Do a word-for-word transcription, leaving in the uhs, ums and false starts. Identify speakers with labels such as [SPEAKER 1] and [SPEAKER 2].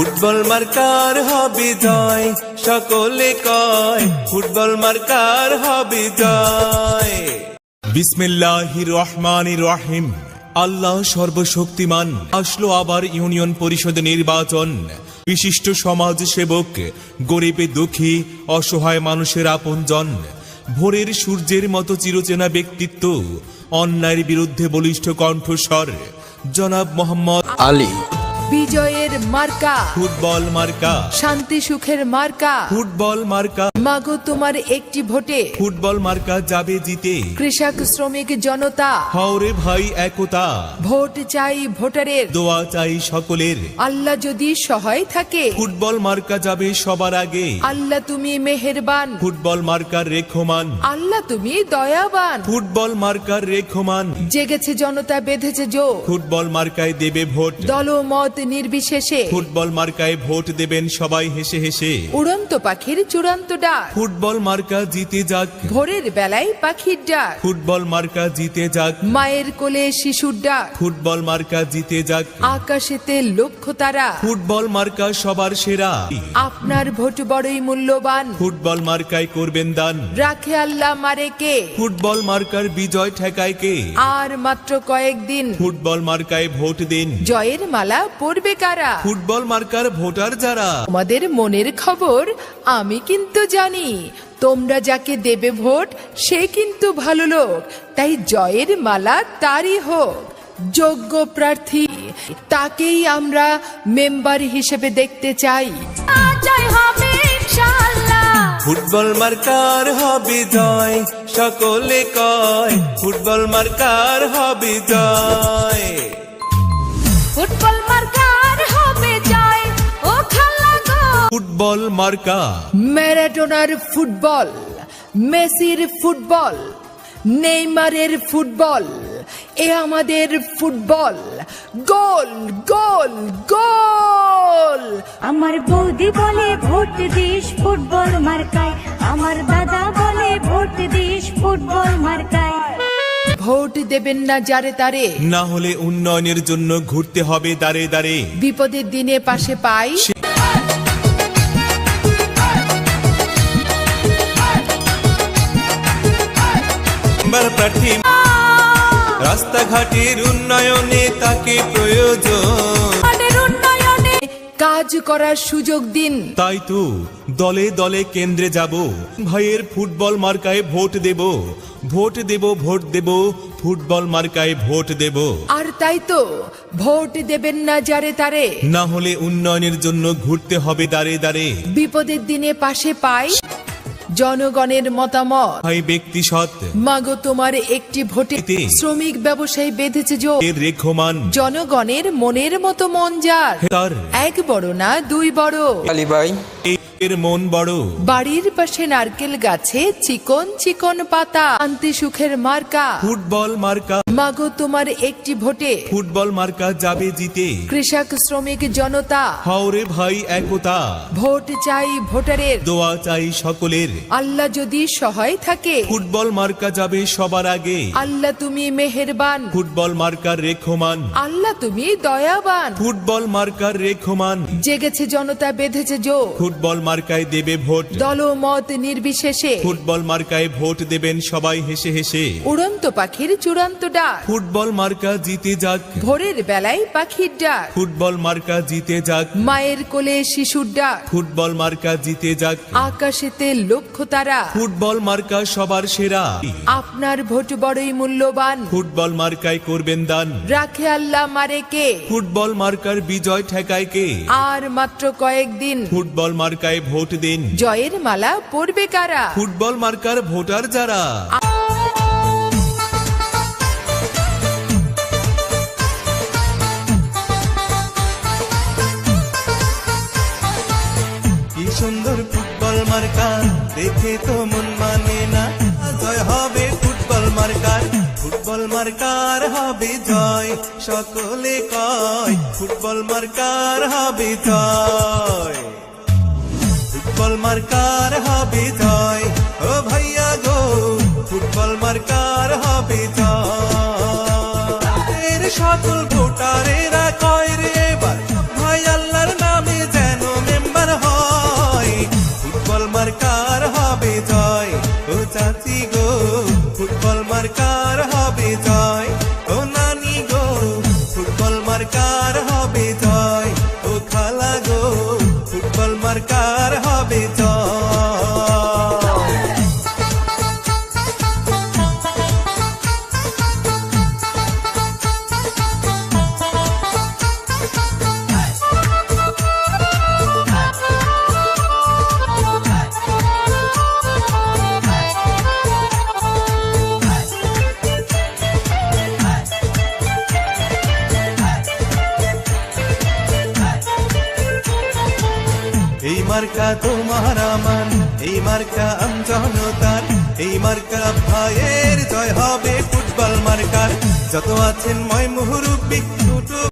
[SPEAKER 1] Football marker হবে জয়, সকলে কয় ফুটবল মার্কার হবে জয়। বিসমিল্লাহির রহমানির রহিম। আল্লাহ সর্বশক্তিমান। আসলো আবার ইউনিয়ন পরিষদ নির্বাচন। বিশিষ্ট সমাজ সেবক, গরিবে দুঃখী অসহায় মানুষের আপনজন, ভোরের সূর্যের মতো চিরচেনা ব্যক্তিত্ব, অন্যায়ের বিরুদ্ধে বলিষ্ঠ কণ্ঠস্বর জনাব মোহাম্মদ
[SPEAKER 2] আলী।
[SPEAKER 3] বিজয়ের মার্কা
[SPEAKER 1] ফুটবল মার্কা,
[SPEAKER 3] শান্তি সুখের মার্কা
[SPEAKER 1] ফুটবল মার্কা।
[SPEAKER 3] মাগো তোমার একটি ভোটে
[SPEAKER 1] ফুটবল মার্কা যাবে জিতে।
[SPEAKER 3] কৃষক শ্রমিক জনতা
[SPEAKER 1] হাওরে ভাই একতা,
[SPEAKER 3] ভোট চাই ভোটারের,
[SPEAKER 1] দোয়া চাই সকলের।
[SPEAKER 3] আল্লাহ যদি সহায় থাকে
[SPEAKER 1] ফুটবল মার্কা যাবে সবার আগে।
[SPEAKER 3] আল্লাহ তুমি মেহেরবান,
[SPEAKER 1] ফুটবল মার্কার রেখমান।
[SPEAKER 3] আল্লাহ তুমি দয়াবান।
[SPEAKER 1] ফুটবল মার্কার রেখমান।
[SPEAKER 3] জেগেছে জনতা বেঁধেছে জো,
[SPEAKER 1] ফুটবল মার্কায় দেবে ভোট।
[SPEAKER 3] দলমত নির্বিশেষে
[SPEAKER 1] ফুটবল মার্কায় ভোট দেবেন সবাই হেসে হেসে।
[SPEAKER 3] উড়ন্ত পাখির চূড়ান্ত ডাক,
[SPEAKER 1] ফুটবল মার্কা জিতে যাক।
[SPEAKER 3] ভোরের বেলায় পাখির ডাক,
[SPEAKER 1] ফুটবল মার্কা জিতে যাক।
[SPEAKER 3] মায়ের কোলে শিশুর ডাক,
[SPEAKER 1] ফুটবল মার্কা জিতে যাক।
[SPEAKER 3] আকাশেতে লক্ষ্য তারা,
[SPEAKER 1] ফুটবল মার্কা সবার সেরা।
[SPEAKER 3] আপনার ভোট বড়ই মূল্যবান,
[SPEAKER 1] ফুটবল মার্কায় করবেন দান।
[SPEAKER 3] রাখে আল্লাহ মারে কে,
[SPEAKER 1] ফুটবল মার্কার বিজয় ঠেকায় কে।
[SPEAKER 3] আর মাত্র কয়েকদিন
[SPEAKER 1] ফুটবল মার্কায় ভোট দিন।
[SPEAKER 3] জয়ের মালা পরবে কারা।
[SPEAKER 1] ফুটবল মার্কার ভোটার যারা।
[SPEAKER 3] তোমাদের মনের খবর আমি কিন্তু জানি, তোমরা যাকে দেবে ভোট সে কিন্তু ভালো লোক, তাই জয়ের মালা তারই হোক। যোগ্য প্রার্থী তাকেই আমরা মেম্বার হিসেবে দেখতে চাই। জয় হবে ইনশাআল্লাহ।
[SPEAKER 1] ফুটবল মার্কার হবে জয়, সকলে কয় ফুটবল মার্কার হবে জয়।
[SPEAKER 3] ফুটবল মার্কার হবে জয় ও খালা গো।
[SPEAKER 1] ফুটবল মার্কা।
[SPEAKER 3] ম্যারাডোনার ফুটবল, মেসির ফুটবল, নেইমারের ফুটবল, এ আমাদের ফুটবল। গোল গোল গোল।
[SPEAKER 4] আমার বৌদি বলে ভোট দিস ফুটবল মার্কায়, আমার দাদা বলে ভোট দিস ফুটবল মার্কায়।
[SPEAKER 3] ভোট দেবেন না যারে তারে,
[SPEAKER 1] না হলে উন্নয়নের জন্য ঘুরতে হবে দাঁড়ে দাঁড়ে।
[SPEAKER 3] বিপদের দিনে পাশে পাই
[SPEAKER 1] প্রার্থী। রাস্তাঘাটের উন্নয়নে তাকে প্রয়োজন,
[SPEAKER 3] উন্নয়নে কাজ করার সুযোগ দিন।
[SPEAKER 1] তাই তো দলে দলে কেন্দ্রে যাব, ভাইয়ের ফুটবল মার্কায় ভোট দেব। ভোট দেব ভোট দেব ফুটবল মার্কায় ভোট দেব।
[SPEAKER 3] আর তাই তো ভোট দেবেন না যারে তারে,
[SPEAKER 1] না হলে উন্নয়নের জন্য ঘুরতে হবে দাঁড়ে দাঁড়ে।
[SPEAKER 3] বিপদের দিনে পাশে পাই জনগণের মতামত।
[SPEAKER 1] ভাই ব্যক্তি সৎ,
[SPEAKER 3] মাগো তোমার একটি ভোটে
[SPEAKER 1] এতে
[SPEAKER 3] শ্রমিক ব্যবসায়ী বেঁধেছে জো,
[SPEAKER 1] এর রেখমান।
[SPEAKER 3] জনগণের মনের মতো মন যার,
[SPEAKER 1] তার
[SPEAKER 3] এক বড় না দুই বড়।
[SPEAKER 2] আলী ভাই।
[SPEAKER 1] এর মন বড়।
[SPEAKER 3] বাড়ির পাশে নারকেল গাছে চিকন চিকন পাতা, শান্তি সুখের মার্কা।
[SPEAKER 1] ফুটবল মার্কা।
[SPEAKER 3] মাগো তোমার একটি ভোটে
[SPEAKER 1] ফুটবল মার্কা যাবে জিতে।
[SPEAKER 3] কৃষক শ্রমিক জনতা,
[SPEAKER 1] হাওরে ভাই একতা,
[SPEAKER 3] ভোট চাই ভোটারের,
[SPEAKER 1] দোয়া চাই সকলের।
[SPEAKER 3] আল্লাহ যদি সহায় থাকে
[SPEAKER 1] ফুটবল মার্কা যাবে সবার আগে।
[SPEAKER 3] আল্লাহ তুমি মেহেরবান,
[SPEAKER 1] ফুটবল মার্কার রেখমান।
[SPEAKER 3] আল্লাহ তুমি দয়াবান।
[SPEAKER 1] ফুটবল মার্কার রেখমান।
[SPEAKER 3] জেগেছে জনতা বেঁধেছে জো,
[SPEAKER 1] ফুটবল মার্কায় দেবে ভোট।
[SPEAKER 3] দলমত নির্বিশেষে
[SPEAKER 1] ফুটবল মার্কায় ভোট দেবেন সবাই হেসে হেসে।
[SPEAKER 3] উড়ন্ত পাখির চূড়ান্ত ডাক,
[SPEAKER 1] ফুটবল মার্কা জিতে যাক।
[SPEAKER 3] ভোরের বেলায় পাখির ডাক,
[SPEAKER 1] ফুটবল মার্কা জিতে যাক।
[SPEAKER 3] মায়ের কোলে শিশুর ডাক,
[SPEAKER 1] ফুটবল মার্কা জিতে যাক।
[SPEAKER 3] আকাশেতে লক্ষ্য তারা।
[SPEAKER 1] ফুটবল মার্কা সবার সেরা।
[SPEAKER 3] আপনার ভোট বড়ই মূল্যবান,
[SPEAKER 1] ফুটবল মার্কায় করবেন দান।
[SPEAKER 3] রাখে আল্লাহ মারে কে,
[SPEAKER 1] ফুটবল মার্কার বিজয় ঠেকায় কে।
[SPEAKER 3] আর মাত্র কয়েকদিন
[SPEAKER 1] ফুটবল মার্কায় ভোট দিন।
[SPEAKER 3] জয়ের মালা পরবে কারা।
[SPEAKER 1] ফুটবল মার্কার ভোটার যারা। কি সুন্দর ফুটবল মার্কা, দেখে তো মন মানে না। জয় হবে ফুটবল মার্কার, ফুটবল মার্কার হবে জয়, সকলে কয় ফুটবল মার্কার হবে জয়। ফুটবল মার্কার হবে জয়, ও ভাইয়া গো ফুটবল মার্কার হবে জয়। সকল ভোটারেরা কয় রে এবার ভাই আল্লাহর নামে। মার্কার হবে জয় ও খালা গো ফুটবল মার্কার হবে জয় এই মার্কা তোমার আমার এই মার্কা আমজনতার এই মার্কা ভাইয়ের জয় হবে ফুটবল মার্কার যত আছেন ময় মুহুরুব্বি ছোট